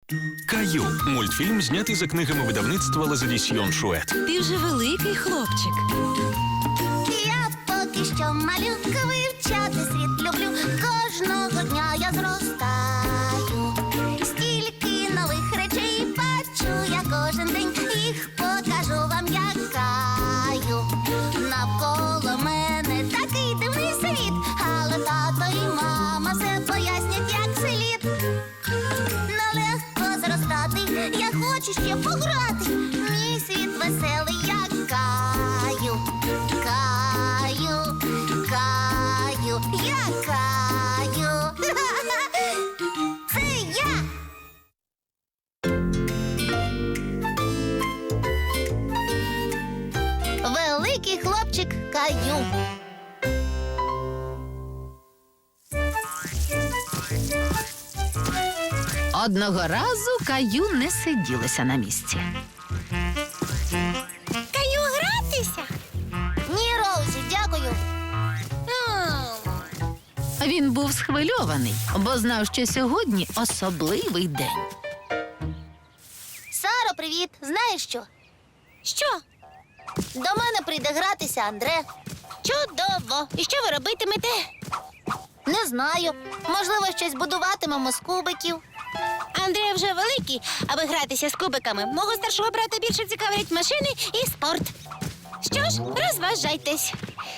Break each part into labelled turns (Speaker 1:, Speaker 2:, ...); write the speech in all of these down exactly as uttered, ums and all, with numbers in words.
Speaker 1: Каю – мультфільм, знятий за книгами видавництва Лазадісьйон Шует.
Speaker 2: Ти вже великий хлопчик.
Speaker 3: Я поки що малюка, вивчати світ люблю. Кожного дня я зростаю. Стільки нових речей бачу я кожен день. Їх покажу вам, як Каю. Навколо мене такий дивний світ, але тато і мама все пояснять, як слід. Нелегко зростати, я хочу ще пограти. Мій світ веселий, як Каю. Каю, Каю, я Каю. Це я. Великий хлопчик Каю.
Speaker 2: Одного разу Каю не сиділося на місці.
Speaker 3: Каю гратися? Ні, Роузі, дякую.
Speaker 2: Він був схвильований, бо знав, що сьогодні особливий день.
Speaker 3: Саро, привіт. Знаєш що? Що? До мене прийде гратися Андре. Чудово. І що ви робитимете? Не знаю. Можливо, щось будуватимемо з кубиків.
Speaker 4: Андрій вже великий, аби гратися з кубиками. Мого старшого брата більше цікавлять машини і спорт. Що ж, розважайтесь.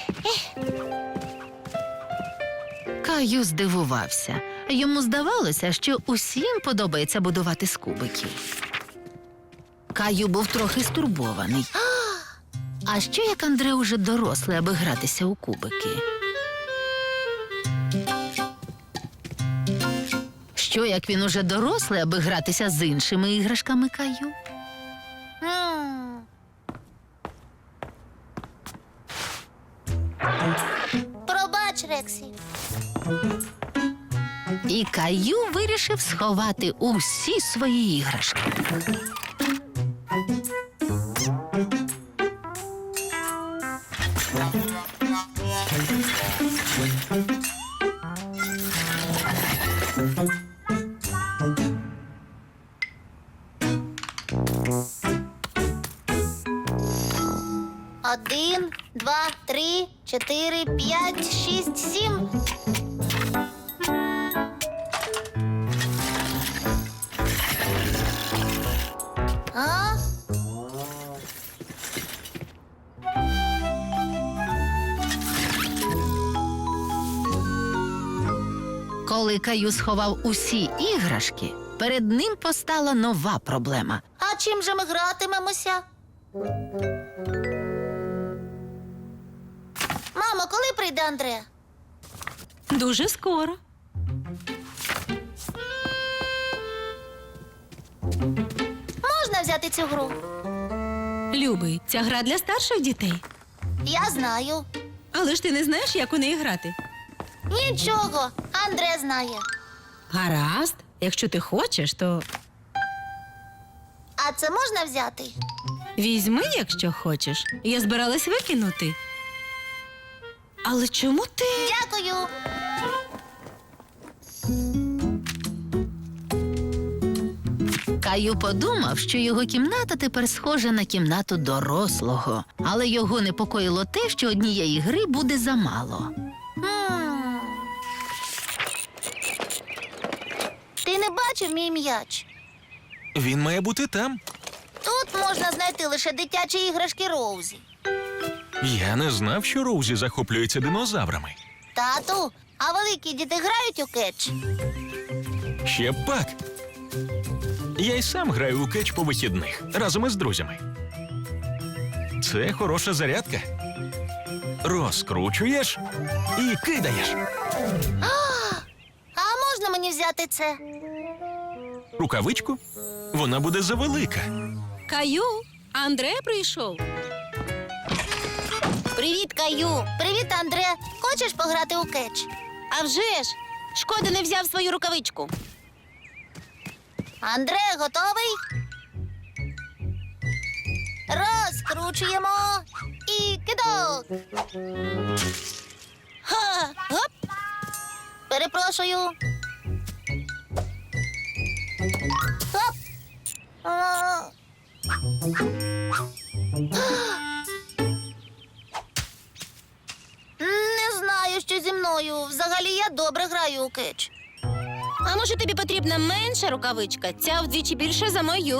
Speaker 2: Каю здивувався. Йому здавалося, що усім подобається будувати з кубиків. Каю був трохи стурбований. А що, як Андре уже дорослий, аби гратися у кубики? Що, як він уже дорослий, аби гратися з іншими іграшками Каю?
Speaker 3: М. Пробач, Рексі.
Speaker 2: І Каю вирішив сховати усі свої іграшки.
Speaker 3: Один, два, три, чотири, п'ять, шість, сім. А?
Speaker 2: Коли Каю сховав усі іграшки, перед ним постала нова проблема.
Speaker 3: А чим же ми гратимемося? Мамо, коли прийде Андре?
Speaker 4: Дуже скоро.
Speaker 3: Можна взяти цю гру?
Speaker 4: Любий, ця гра для старших дітей.
Speaker 3: Я знаю.
Speaker 4: Але ж ти не знаєш, як у неї грати.
Speaker 3: Нічого, Андре знає.
Speaker 4: Гаразд. Якщо ти хочеш, то
Speaker 3: А це можна взяти?
Speaker 4: візьми, якщо хочеш. Я збиралась викинути. Але чому ти?
Speaker 3: Дякую.
Speaker 2: Каю подумав, що його кімната тепер схожа на кімнату дорослого. Але його непокоїло те, що однієї гри буде замало.
Speaker 3: М. Ти не бачив мій м'яч?
Speaker 1: Він має бути там.
Speaker 3: Тут можна знайти лише дитячі іграшки Роузі.
Speaker 1: Я не знав, що Роузі захоплюється динозаврами.
Speaker 3: Тату, а великі діти грають у кетч?
Speaker 1: Ще б пак. Я й сам граю у кетч по вихідних разом із друзями. Це хороша зарядка. Розкручуєш і кидаєш.
Speaker 3: А можна мені взяти це?
Speaker 1: Рукавичку? Вона буде завелика.
Speaker 4: Каю, Андре прийшов.
Speaker 3: Привіт, Каю. Привіт, Андре. Хочеш пограти у кетч?
Speaker 4: А вже ж! Шкода, не взяв свою рукавичку.
Speaker 3: Андре, готовий? Розкручуємо і кидок.
Speaker 4: Ха! Гоп!
Speaker 3: Перепрошую. Хоп. А. Не знаю, що зі мною. Взагалі я добре граю у кетч.
Speaker 4: А може тобі потрібна менша рукавичка? Ця вдвічі більша за мою.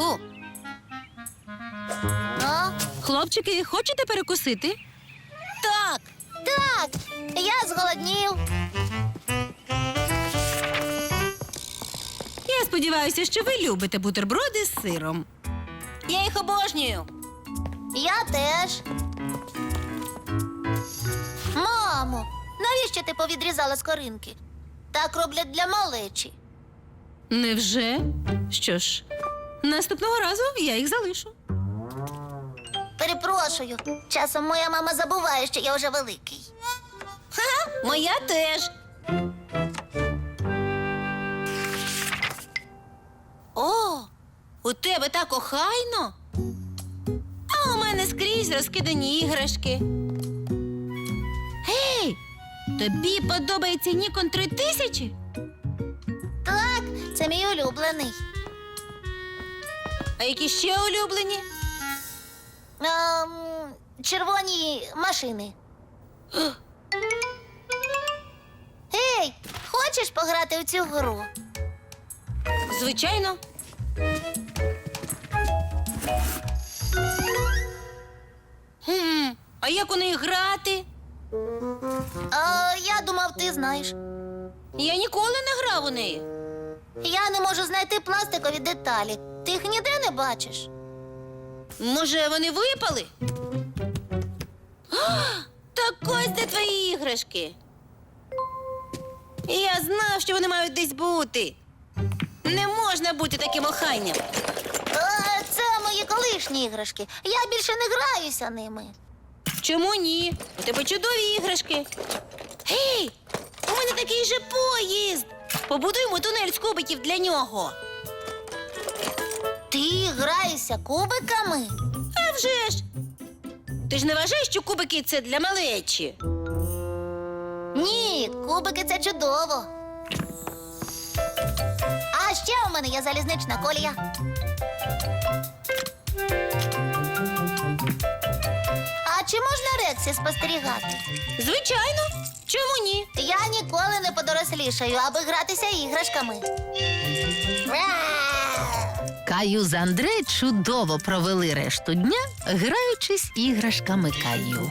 Speaker 3: А?
Speaker 5: Хлопчики, хочете перекусити?
Speaker 4: Так.
Speaker 3: Так, я зголоднів.
Speaker 5: Я сподіваюся, що ви любите бутерброди з сиром.
Speaker 4: Я їх обожнюю.
Speaker 3: Я теж. Мамо, навіщо ти повідрізала скоринки? Так роблять для малечі.
Speaker 5: Невже? Що ж, наступного разу я їх залишу.
Speaker 3: Перепрошую, часом моя мама забуває, що я вже великий.
Speaker 4: Моя теж. О, у тебе так охайно. А у мене скрізь розкидані іграшки. Гей, тобі подобається Нікон три тисячі?
Speaker 3: Так, це мій улюблений.
Speaker 4: А які ще улюблені?
Speaker 3: Ем, червоні машини. Ей, хочеш пограти у цю гру?
Speaker 4: Звичайно. Хм, а як у неї грати?
Speaker 3: А, я думав, ти знаєш.
Speaker 4: Я ніколи не грав у неї.
Speaker 3: Я не можу знайти пластикові деталі. Ти їх ніде не бачиш.
Speaker 4: Може, вони випали? А, так ось де твої іграшки. Я знав, що вони мають десь бути. Не можна бути таким охайним.
Speaker 3: А, це мої колишні іграшки. Я більше не граюся ними.
Speaker 4: Чому ні? У тебе чудові іграшки. Гей, у мене такий же поїзд. Побудуємо тунель з кубиків для нього.
Speaker 3: Ти граєшся кубиками?
Speaker 4: А вже ж. Ти ж не вважаєш, що кубики це для малечі?
Speaker 3: Ні, кубики це чудово. А ще у мене є залізнична колія. А чи можна Рексі спостерігати?
Speaker 4: Звичайно. Чому ні?
Speaker 3: Я ніколи не подорослішаю, аби гратися іграшками.
Speaker 2: Каю з Андре чудово провели решту дня, граючись іграшками Каю.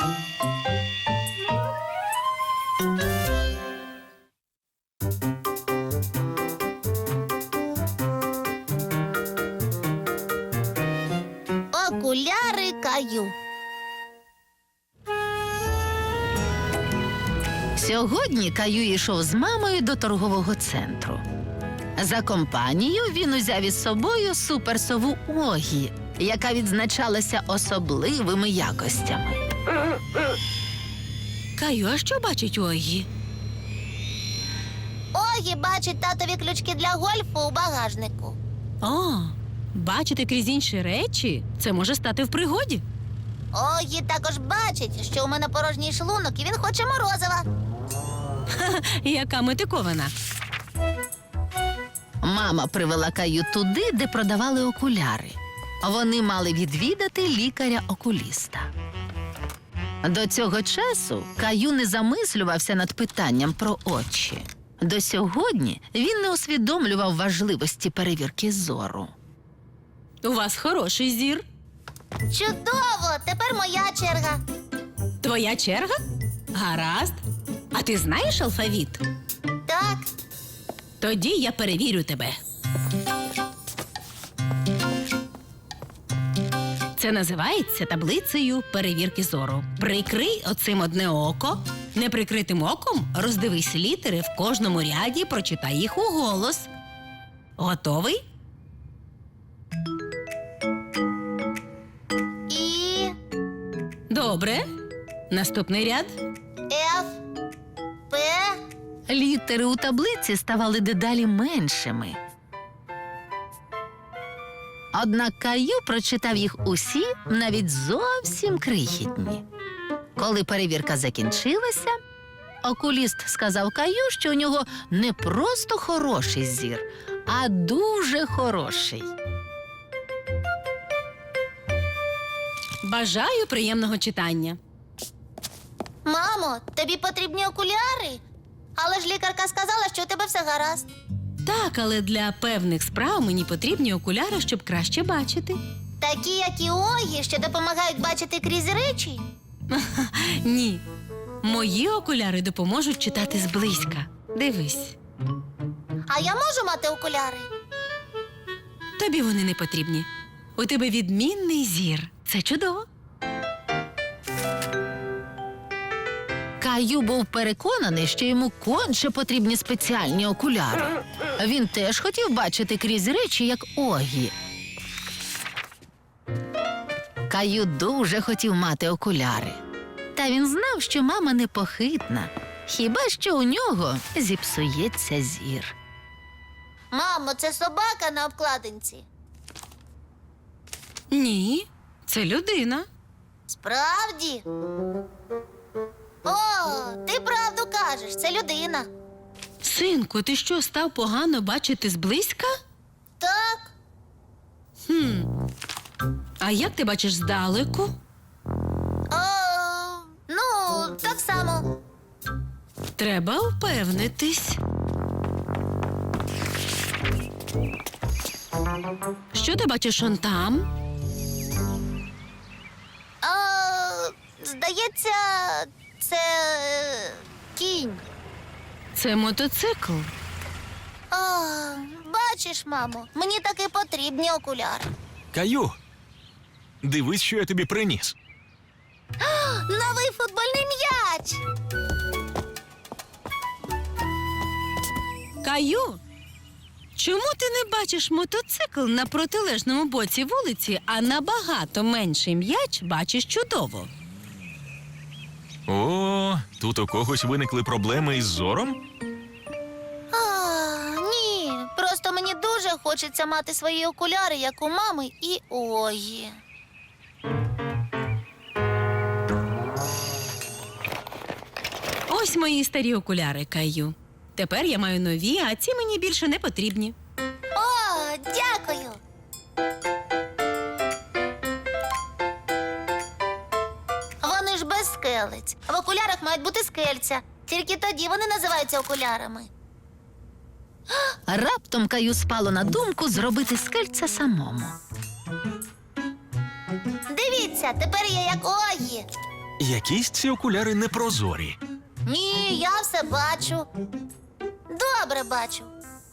Speaker 3: Окуляри Каю.
Speaker 2: Сьогодні Каю йшов з мамою до торгового центру. За компанію він узяв із собою суперсову Огі, яка відзначалася особливими якостями.
Speaker 5: Каю, а що бачить Огі?
Speaker 3: Огі бачить татові ключки для гольфу у багажнику.
Speaker 5: О, бачити крізь інші речі – це може стати в пригоді.
Speaker 3: Огі також бачить, що у мене порожній шлунок, і він хоче морозива.
Speaker 5: Яка метикована.
Speaker 2: Мама привела Каю туди, де продавали окуляри. Вони мали відвідати лікаря-окуліста. До цього часу Каю не замислювався над питанням про очі. До сьогодні він не усвідомлював важливості перевірки зору.
Speaker 5: У вас хороший зір.
Speaker 3: Чудово! Тепер моя черга.
Speaker 5: Твоя черга? Гаразд. А ти знаєш алфавіт?
Speaker 3: Так,
Speaker 5: Тоді я перевірю тебе. Це називається таблицею перевірки зору. Прикрий оцим одне око. Неприкритим оком роздивись літери в кожному ряді, прочитай їх уголос. Готовий?
Speaker 3: І,
Speaker 5: Добре. Наступний ряд.
Speaker 3: Ф, П.
Speaker 2: Літери у таблиці ставали дедалі меншими. Однак Каю прочитав їх усі, навіть зовсім крихітні. Коли перевірка закінчилася, окуліст сказав Каю, що у нього не просто хороший зір, а дуже хороший.
Speaker 5: Бажаю приємного читання.
Speaker 3: Мамо, тобі потрібні окуляри? Але ж лікарка сказала, що у тебе все гаразд.
Speaker 5: Так, але для певних справ мені потрібні окуляри, щоб краще бачити.
Speaker 3: Такі, як і Огі, що допомагають бачити крізь речі.
Speaker 5: Ні. Мої окуляри допоможуть читати зблизька. Дивись.
Speaker 3: А я можу мати окуляри?
Speaker 5: Тобі вони не потрібні. У тебе відмінний зір. Це чудово.
Speaker 2: Каю був переконаний, що йому конче потрібні спеціальні окуляри. Він теж хотів бачити крізь речі, як Огі. Каю дуже хотів мати окуляри. Та він знав, що мама непохитна. Хіба що у нього зіпсується зір.
Speaker 3: Мамо, це собака на обкладинці.
Speaker 5: Ні, це людина.
Speaker 3: Справді? О, ти правду кажеш, це людина.
Speaker 5: Синку, ти що, став погано бачити зблизька?
Speaker 3: Так,
Speaker 5: Хм. А як ти бачиш здалеку?
Speaker 3: о, ну, так само.
Speaker 5: Треба впевнитись. Що ти бачиш он там?
Speaker 3: А, здається, це е, кінь.
Speaker 5: Це мотоцикл.
Speaker 3: О, бачиш, мамо, мені таки потрібні окуляри.
Speaker 1: Каю, дивись, що я тобі приніс.
Speaker 3: Новий футбольний м'яч.
Speaker 5: Каю, чому ти не бачиш мотоцикл на протилежному боці вулиці, а набагато менший м'яч бачиш чудово?
Speaker 1: О, тут у когось виникли проблеми із зором?
Speaker 3: А, ні, просто мені дуже хочеться мати свої окуляри, як у мами і Огі.
Speaker 5: Ось мої старі окуляри, Каю. Тепер я маю нові, а ці мені більше не потрібні.
Speaker 3: О, дякую. Вони ж без скелець. В окулярах мають бути скельця. Тільки тоді вони називаються окулярами.
Speaker 2: Раптом Каю спало на думку зробити скельця самому.
Speaker 3: Дивіться, тепер я як Огі.
Speaker 1: Якісь ці окуляри непрозорі.
Speaker 3: Ні, я все бачу. Добре бачу.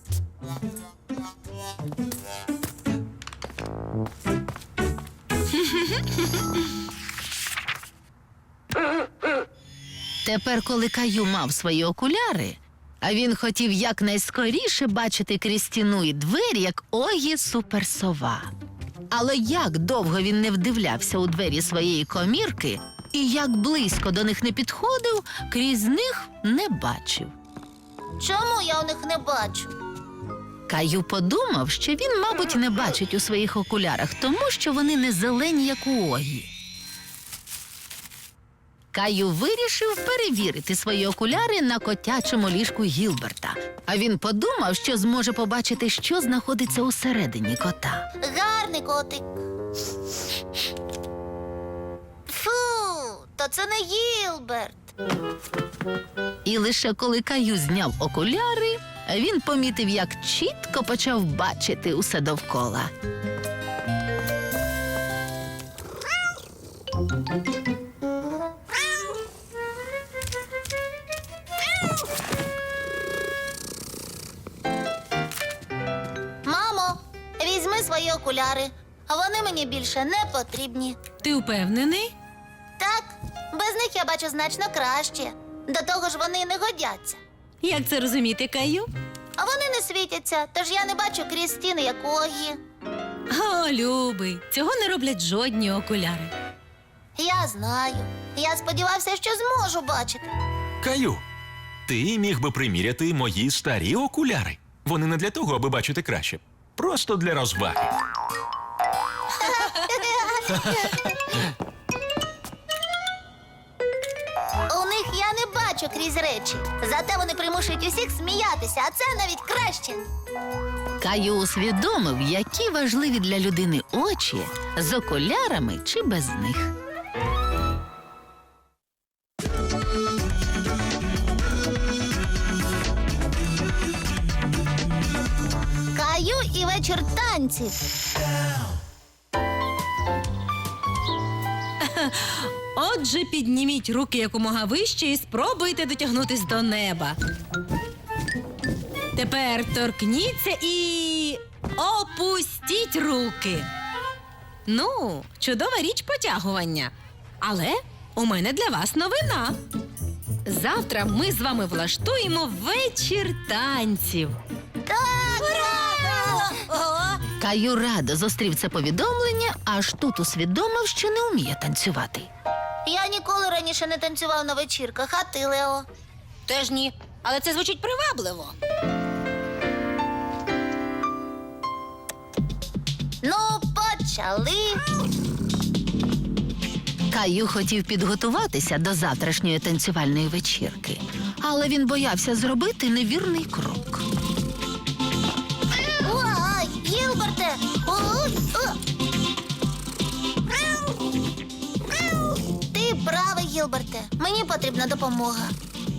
Speaker 2: Тепер, коли Каю мав свої окуляри, а він хотів якнайскоріше бачити крізь стіну і двері, як Огі суперсова. Але як довго він не вдивлявся у двері своєї комірки, і як близько до них не підходив, крізь них не бачив.
Speaker 3: Чому я у них не бачу?
Speaker 2: Каю подумав, що він, мабуть, не бачить у своїх окулярах, тому що вони не зелені, як у Огі. Каю вирішив перевірити свої окуляри на котячому ліжку Гілберта. А він подумав, що зможе побачити, що знаходиться усередині кота.
Speaker 3: Гарний котик. Фу, то це не Гілберт.
Speaker 2: І лише коли Каю зняв окуляри, він помітив, як чітко почав бачити усе довкола.
Speaker 3: Мамо, візьми свої окуляри. Вони мені більше не потрібні.
Speaker 5: Ти впевнений?
Speaker 3: Так, без них я бачу значно краще. До того ж вони не годяться.
Speaker 5: Як це розуміти, Каю?
Speaker 3: А вони не світяться, тож я не бачу крізь стіни, як Огі.
Speaker 5: О, любий, цього не роблять жодні окуляри.
Speaker 3: Я знаю. Я сподівався, що зможу бачити.
Speaker 1: Каю, ти міг би приміряти мої старі окуляри. Вони не для того, аби бачити краще. Просто для розваги.
Speaker 3: У них я не бачу плачу крізь речі. Зате вони примушують усіх сміятися, а це навіть краще.
Speaker 2: Каю усвідомив, які важливі для людини очі з окулярами чи без них.
Speaker 3: Каю і вечір танців.
Speaker 5: Отже, підніміть руки якомога вище і спробуйте дотягнутись до неба. Тепер торкніться і опустіть руки. Ну, чудова річ потягування. Але у мене для вас новина. Завтра ми з вами влаштуємо вечір танців.
Speaker 3: Так! Ура!
Speaker 2: Каю радо зустрів це повідомлення, аж тут усвідомив, що не вміє танцювати.
Speaker 3: Я ніколи раніше не танцював на вечірках, а ти, Лео?
Speaker 4: Теж ні, але це звучить привабливо.
Speaker 3: Ну, почали.
Speaker 2: Каю хотів підготуватися до завтрашньої танцювальної вечірки, але він боявся зробити невірний крок.
Speaker 3: Ой, Гілберте! Ой, о! Ти правий, Гілберте. Мені потрібна допомога.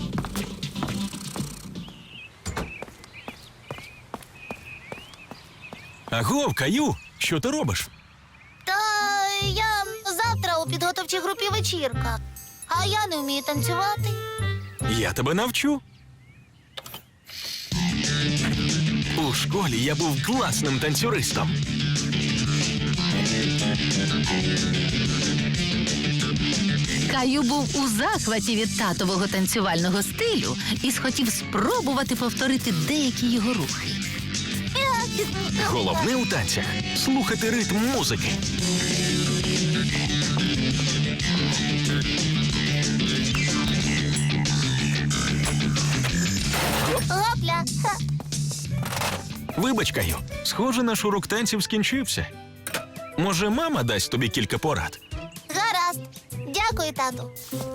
Speaker 1: Агов, Каю, що ти робиш?
Speaker 3: Та я завтра у підготовчій групі вечірка, а я не вмію танцювати.
Speaker 1: Я тебе навчу. У школі я був класним танцюристом.
Speaker 2: Каю був у захваті від татового танцювального стилю і схотів спробувати повторити деякі його рухи.
Speaker 1: Головне у танцях – слухати ритм музики.
Speaker 3: Гопля! Ха.
Speaker 1: Вибач, Каю, схоже, наш урок танців скінчився. Може, мама дасть тобі кілька порад?
Speaker 3: Гаразд. Дякую, тату.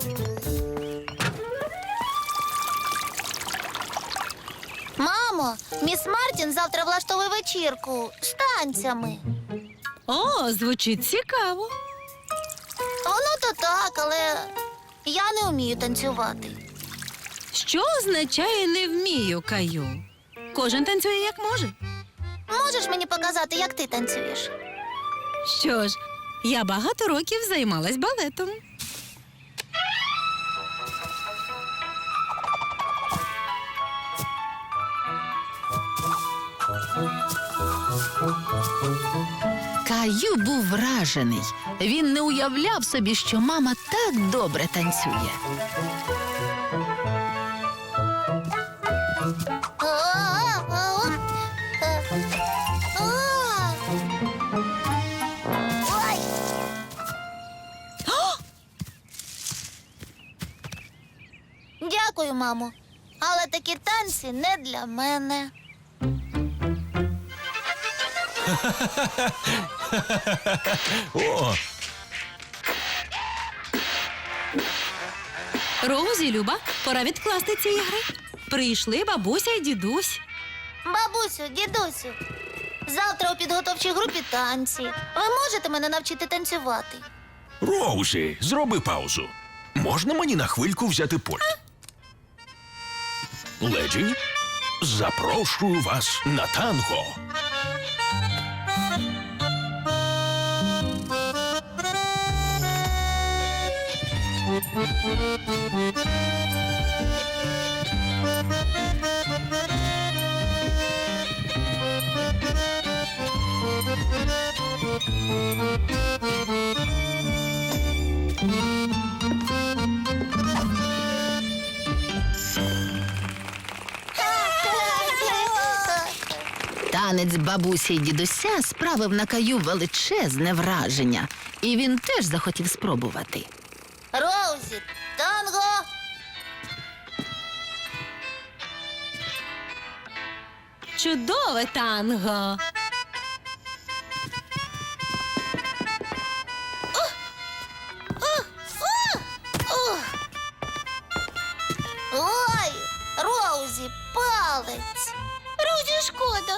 Speaker 3: Мамо, міс Мартін завтра влаштовує вечірку з танцями.
Speaker 5: О, звучить цікаво.
Speaker 3: Воно то так, але я не вмію танцювати.
Speaker 5: Що означає «не вмію», Каю? Кожен танцює як може.
Speaker 3: Можеш мені показати, як ти танцюєш?
Speaker 5: Що ж, я багато років займалась балетом.
Speaker 2: Каю був вражений. Він не уявляв собі, що мама так добре танцює.
Speaker 3: А-а-а. Е. А. Ой. Дякую, мамо. Але такі танці не для мене.
Speaker 1: О,
Speaker 5: Роузі, Люба, пора відкласти ці ігри. Прийшли бабуся і дідусь.
Speaker 3: Бабусю, дідусю, завтра у підготовчій групі танці. Ви можете мене навчити танцювати?
Speaker 1: Роузі, зроби паузу. Можна мені на хвильку взяти пульт? Леді, запрошую вас на танго.
Speaker 2: Танець бабусі й дідуся справив на Каю величезне враження, і він теж захотів спробувати.
Speaker 3: Роузі, танго!
Speaker 5: Чудове танго.
Speaker 4: шкода.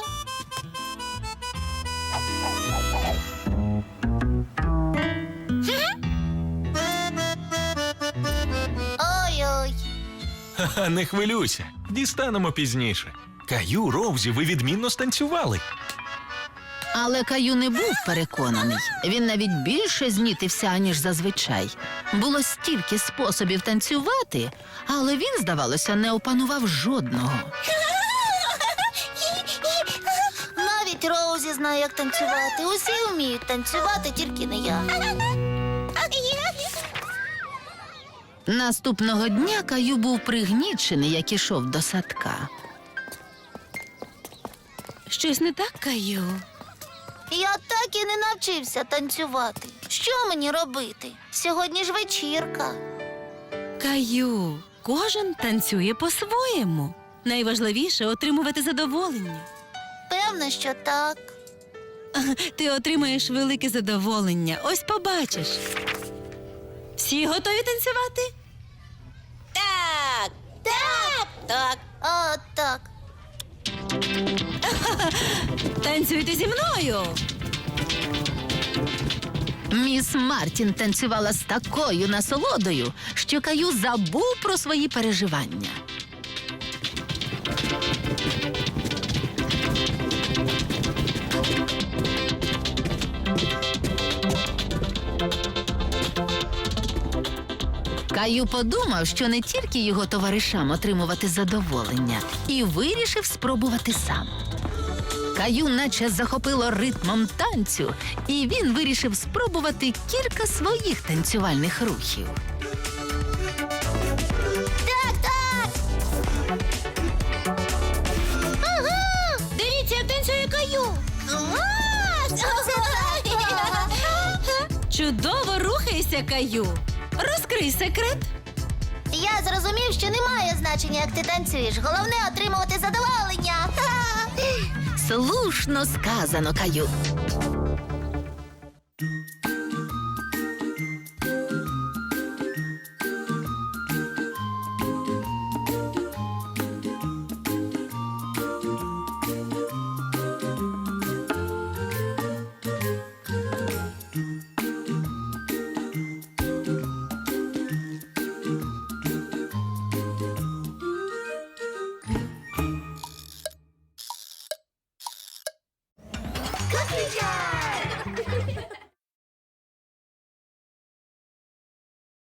Speaker 3: Ой-ой.
Speaker 1: Ха-ха, не хвилюйся. Дістанемо пізніше. Каю, Роузі, ви відмінно станцювали.
Speaker 2: Але Каю не був переконаний. Він навіть більше знітився, аніж зазвичай. Було стільки способів танцювати, але він, здавалося, не опанував жодного.
Speaker 3: Навіть Роузі знає, як танцювати. Усі вміють танцювати, тільки не я.
Speaker 2: Наступного дня Каю був пригнічений, як ішов до садка.
Speaker 5: Щось не так, Каю?
Speaker 3: Я так і не навчився танцювати. Що мені робити? Сьогодні ж вечірка.
Speaker 5: Каю, кожен танцює по-своєму. Найважливіше отримувати задоволення.
Speaker 3: Певно, що так.
Speaker 5: Ти отримаєш велике задоволення. Ось побачиш. Всі готові танцювати?
Speaker 4: Так, так, так.
Speaker 3: А, так.
Speaker 5: Танцюйте зі мною.
Speaker 2: Міс Мартін танцювала з такою насолодою, що Каю забув про свої переживання. Каю подумав, що не тільки його товаришам отримувати задоволення, і вирішив спробувати сам. Каю наче захопило ритмом танцю, і він вирішив спробувати кілька своїх танцювальних рухів.
Speaker 3: Так, так.
Speaker 4: Дивіться, як танцює Каю.
Speaker 5: Чудово рухайся, Каю. Розкрий секрет.
Speaker 3: Я зрозумів, що немає значення, як ти танцюєш. Головне — отримувати задоволення.
Speaker 2: Слушно сказано, Каю.